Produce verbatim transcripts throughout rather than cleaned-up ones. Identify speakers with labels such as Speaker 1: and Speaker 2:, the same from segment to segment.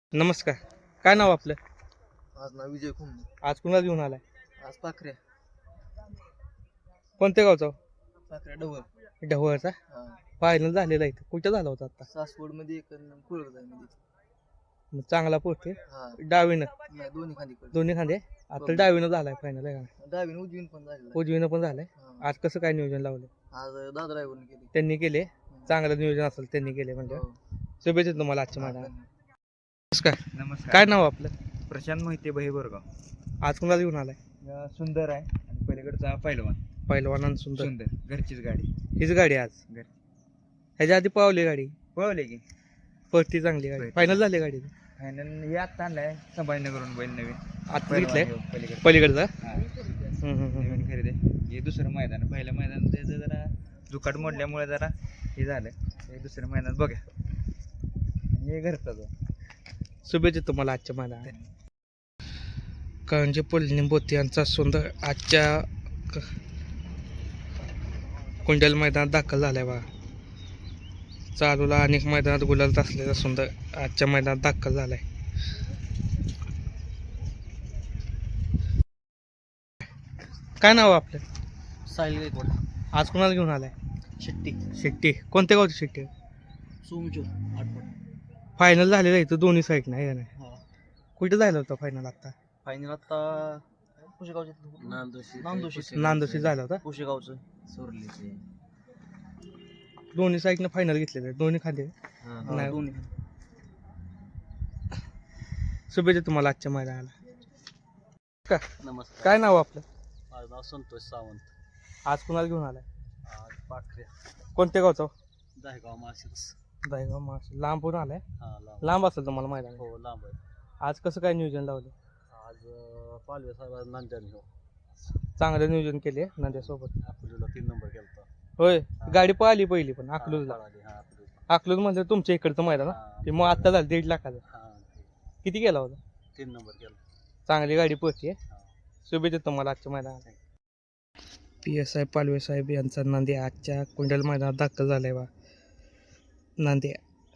Speaker 1: नमस्कार. काय नाव आपलं?
Speaker 2: आज ना विजय कुंभ.
Speaker 1: आज कुणाला घेऊन आलाय?
Speaker 2: आज पाखऱ्या.
Speaker 1: कोणत्या गावचा?
Speaker 2: पाखऱ्या डवळ.
Speaker 1: ढवळचा.
Speaker 2: हा.
Speaker 1: फायनल झालेला इथं. कुठं झाला होता आता?
Speaker 2: सासवड मध्ये एक कुळगजाई मध्ये.
Speaker 1: मग चांगला पोहोचते.
Speaker 2: हा.
Speaker 1: डावीनं
Speaker 2: नाही दोन्ही खाली कडे.
Speaker 1: दोन्ही खांदे. आता डावीनं झालाय फायनल आहे का?
Speaker 2: डावीन उजवीन पण झालेला.
Speaker 1: उजवीनं पण झालंय.
Speaker 2: हा.
Speaker 1: आज कसं काय नियोजन लावलं?
Speaker 2: आज दादा ड्रायव्हरने केली.
Speaker 1: त्यांनी केले. चांगलं नियोजन असेल त्यांनी केले म्हणजे.
Speaker 2: हो.
Speaker 1: शुभेच्छा तुम्हाला आजच्या
Speaker 2: हा,
Speaker 1: मैदानात.
Speaker 2: धन्यवाद.
Speaker 1: नमस्कार.
Speaker 3: नमस्कार.
Speaker 1: काय नाव आपलं?
Speaker 3: प्रशांत मोहिते बही बोरगाव.
Speaker 1: आज कुणाला घेऊन आलाय?
Speaker 3: अं, सुंदर आहे आणि पलीकडचा पहिलवान
Speaker 1: पहिलवान सुंदर.
Speaker 3: सुंदर घरचीच गाडी.
Speaker 1: हीच गाडी आज.
Speaker 3: घर
Speaker 1: ह्याच्या आधी पावली गाडी.
Speaker 3: पळवले की
Speaker 1: पळती चांगली गाडी.
Speaker 3: पळती.
Speaker 1: फायनल झाली गाडी.
Speaker 3: फायनल हे आत्ता आणलाय संभाजीनगरहून बैल नवीन
Speaker 1: आता घेतलंय
Speaker 3: पलीकडे
Speaker 1: पलीकडचा.
Speaker 3: हा.
Speaker 1: हम्म, हम्म, हम्म.
Speaker 3: नवीन खरेदी हे दुसरं मैदान आहे. पहिल्या मैदान त्याचं जरा जुकाट मोडल्यामुळे जरा हे झालं. हे दुसरं मैदान बघा. आणि हे घरचाच आहे.
Speaker 1: शुभेच्छा तुम्हाला आजच्या मैदानात. करंजी पोलिनी बोती यांचा सुंदर आजच्या क- कुंडल मैदानात दाखल झालाय बा. चालूला अनेक मैदानात गुलालत असलेला सुंदर आजच्या मैदानात दाखल झालाय. काय नाव आपलं?
Speaker 2: साहिल गायकवाड.
Speaker 1: आज कुणाला घेऊन आलाय?
Speaker 2: शेट्टी.
Speaker 1: शेट्टी. कोणत्या गावची शेट्टी?
Speaker 2: सोमचूर आठवड.
Speaker 1: फायनल झालेलं आहे इथं दोन्ही साईड नाही का नाही?
Speaker 2: हा.
Speaker 1: कुठं झालं होतं फायनल आता?
Speaker 2: फायनल आता पुशेगावचे नांदोशी नांदोशी
Speaker 1: नांदोशी झाला होता.
Speaker 2: पुशेगावचं सोरलीचे.
Speaker 1: दोन्ही साईडनं फायनल घेतलेलं आहे. दोन्ही खाली. नाही.
Speaker 2: दोन्ही.
Speaker 1: शुभेच्छा तुम्हाला आजच्या मैदानाला. का
Speaker 2: नमस्कार.
Speaker 1: काय नाव आपलं?
Speaker 2: माझं नाव संतोष सावंत.
Speaker 1: आज कुणाला घेऊन आलाय?
Speaker 2: आज पाखऱ्या.
Speaker 1: कोणत्या गावचा?
Speaker 2: दहेगाव माशिरस.
Speaker 1: दहेगाव मास. लांबून आलाय.
Speaker 2: हा लांब.
Speaker 1: लांब असेल तुम्हाला मैदान.
Speaker 2: हो लांब आहे.
Speaker 1: आज कसं काय नियोजन लावलं?
Speaker 2: आज अं, पालवे साहेब नांद्याने हो
Speaker 1: चांगलं नियोजन केले नंद्यासोबत.
Speaker 2: अकलूजला तीन नंबर केला.
Speaker 1: होय. गाडी पळाली पहिली पण अकलूजला.
Speaker 2: हा अकलूज.
Speaker 1: अकलूज म्हणजे तुमच्या इकडचं मैदान ना?
Speaker 2: हा,
Speaker 1: ते मग आता झालं दीड लाखाचं.
Speaker 2: हा,
Speaker 1: किती गेला होता?
Speaker 2: तीन नंबर केला.
Speaker 1: चांगली गाडी पळते. शुभेच्छा तुम्हाला आजच्या मैदानात. पी एस आय पालवे साहेब यांचा नांद्या आजच्या कुंडल मैदानात दाखल झालाय बा. नांद्या.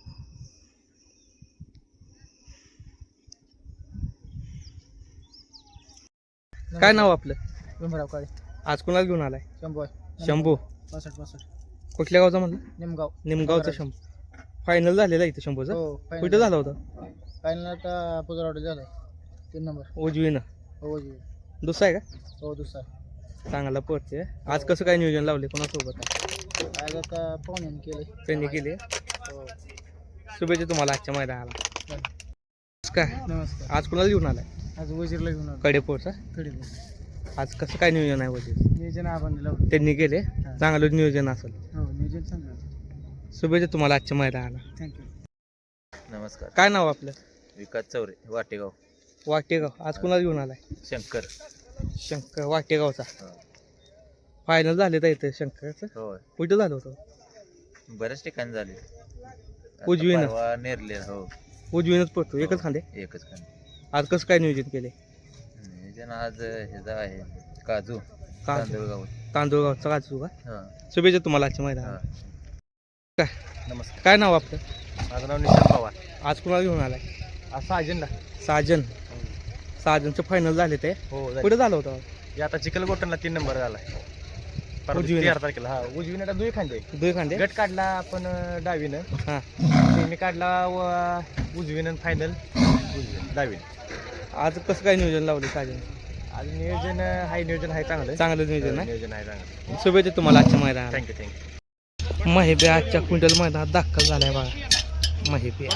Speaker 1: काय नाव आपलं?
Speaker 2: भीमराव काळे.
Speaker 1: आज कुणाला घेऊन आलाय?
Speaker 2: शंभू.
Speaker 1: शंभू.
Speaker 2: पासष्ट पासष्ट.
Speaker 1: कुठल्या गावचा म्हणलं?
Speaker 2: निमगाव.
Speaker 1: निमगावचा शंभू. फायनल झालेला आहे इथं शंभूचा.
Speaker 2: हो
Speaker 1: कुठं झाला होता?
Speaker 2: फायनल आता पुजरावडे झालाय. तीन नंबर.
Speaker 1: उजवीनं.
Speaker 2: हो जी.
Speaker 1: दुसरा आहे का?
Speaker 2: हो दुसरा.
Speaker 1: चांगला पडते. आज कसं काय नियोजन लावले कोणासोबत आहे?
Speaker 2: आज आता पाहुण्याने केले.
Speaker 1: त्यांनी केले.
Speaker 2: हो.
Speaker 1: शुभेच्छा तुम्हाला आजच्या मैदानाला. काय
Speaker 2: नमस्कार.
Speaker 1: आज कुणाला घेऊन आलाय?
Speaker 2: आज वजीरला घेऊन आलो.
Speaker 1: कडेपोरचा.
Speaker 2: कडे
Speaker 1: आज कसं काय नियोजन आहे वजीर?
Speaker 2: नियोजन आपण लावलं.
Speaker 1: त्यांनी केले. चांगलं नियोजन असेल.
Speaker 2: हो नियोजन चांगलं.
Speaker 1: शुभेच्छा तुम्हाला आजच्या मैदानाला.
Speaker 2: थँक्यू.
Speaker 3: नमस्कार.
Speaker 1: काय नाव आपलं?
Speaker 3: विकास चौरे वाटेगाव.
Speaker 1: वाटेगाव. आज कुणाला घेऊन आलाय?
Speaker 3: शंकर.
Speaker 1: शंकर वाटेगावचा.
Speaker 3: हो.
Speaker 1: फायनल झाले तर इथं शंकरचं.
Speaker 3: होय.
Speaker 1: कुठं झालं होतं?
Speaker 3: बऱ्याच ठिकाणी झाले. आता
Speaker 1: उजवीनं?
Speaker 3: परवा नेरले. हो
Speaker 1: उजवीनच पडतो. एकच खांदे.
Speaker 3: एकच खान.
Speaker 1: आज कसं काय नियोजन केले?
Speaker 3: नियोजन आज ह्याचा आहे काजू
Speaker 1: काजू.
Speaker 3: तांदूळगाव.
Speaker 1: तांदूळगावचा काजू का?
Speaker 3: हा.
Speaker 1: शुभेच्छा तुम्हाला आजच्या मैदानाला.
Speaker 3: हा.
Speaker 2: नमस्कार.
Speaker 1: काय नाव आपलं?
Speaker 2: माझं नाव निशांत पवार.
Speaker 1: आज कुणाला घेऊन आलाय?
Speaker 2: असा अजेंडा.
Speaker 1: साजन. साजनचं फायनल झाले ते.
Speaker 2: हो
Speaker 1: कुठं झालं होतं?
Speaker 2: आता चिखलगोटनला तीन नंबर झालाय.
Speaker 1: उजवीनं?
Speaker 2: तेरा तारखेला. हा उजवीनं दुई खांदे.
Speaker 1: दुई खांदे.
Speaker 2: गट काढला आपण अं, डावीनं.
Speaker 1: हां.
Speaker 2: सेमी काढला व उजवीनं फायनल डावीनं.
Speaker 1: आज कसं काय नियोजन लावलं साजन?
Speaker 2: आज नियोजन अं, हाय नियोजन आहे चांगलं.
Speaker 1: चांगलं नियोजन आहे.
Speaker 2: नियोजन आहे चांगलं.
Speaker 1: शुभेच्छा तुम्हाला आजच्या मैदानाला.
Speaker 2: Thank you thank you.
Speaker 1: महिबे आजच्या क्विंटल मैदानात दाखल झालाय बघा. महिबे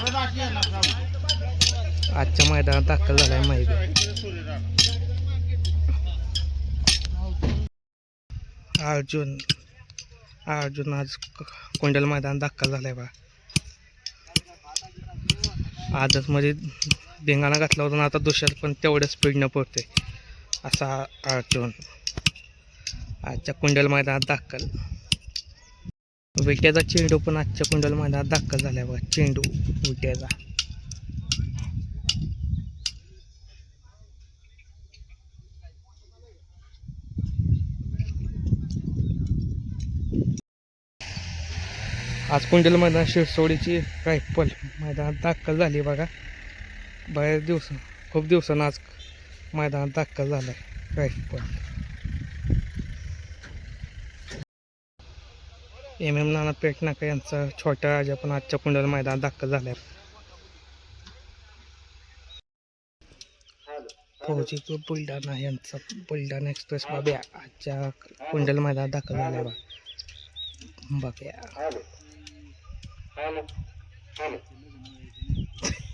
Speaker 1: आजच्या मैदानात दाखल झालाय. महिबे. अर्जुन. अर्जुन आज कुंडल मैदानात दाखल झालाय बघा. आजच मध्ये धिंगाणा घातला होता ना, आता दुसऱ्यात पण तेवढ्या स्पीडनं पडते असा अर्जुन आजच्या कुंडल मैदानात दाखल. विट्याचा चेंडू पण आजच्या कुंडल मैदानात दाखल झालाय बघा. चेंडू विट्याचा. आज कुंडल मैदान शिरसोडीची रायफल मैदानात दाखल झाली बघा. बऱ्याच दिवस खूप दिवसानं आज मैदानात दाखल झाला आहे गायकवाड. एम एम नाना पेटनाका यांचा छोटा राजा पण आजच्या कुंडल मैदानात दाखल झाला आहे. फौजी ग्रुप बुलढाणा यांचा बुलढाणा एक्सप्रेस बाब्या आजच्या कुंडल मैदानात दाखल झाला आहे बा. बाब्या